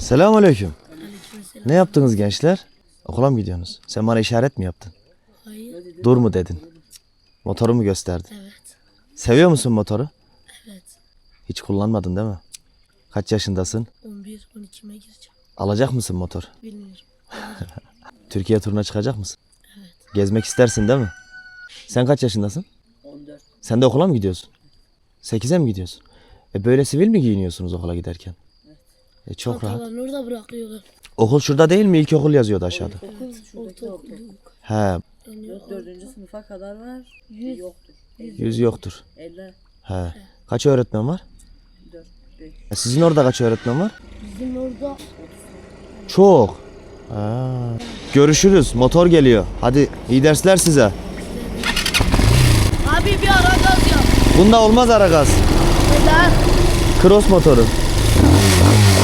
Selamünaleyküm. Aleykümselam. Ne yaptınız gençler? Okula mı gidiyorsunuz? Sen bana işaret mi yaptın? Hayır. Dur mu dedin? Motoru mu gösterdin? Evet. Seviyor musun motoru? Evet. Hiç kullanmadın değil mi? Kaç yaşındasın? 11-12'me gireceğim. Alacak mısın motor? Bilmiyorum. Türkiye turuna çıkacak mısın? Evet. Gezmek istersin değil mi? Sen kaç yaşındasın? 14. Sen de okula mı gidiyorsun? 8'e mi gidiyorsun? Böyle sivil mi giyiniyorsunuz okula giderken? Çok rahat. Çantalarını orada bırakıyorlar. Okul şurada değil mi? İlkokul yazıyordu aşağıda. Ortaokul. He, Yani 4. sınıfa kadar var. 100. Yoktur. 100 yoktur. 50. He. Kaç öğretmen var? 4. 5. Sizin orada kaç öğretmen var? Bizim orada Çok. Ha. Görüşürüz. Motor geliyor. Hadi iyi dersler size. abi bir ara gaz yap. Bunda olmaz ara gaz. Neden? Cross motoru.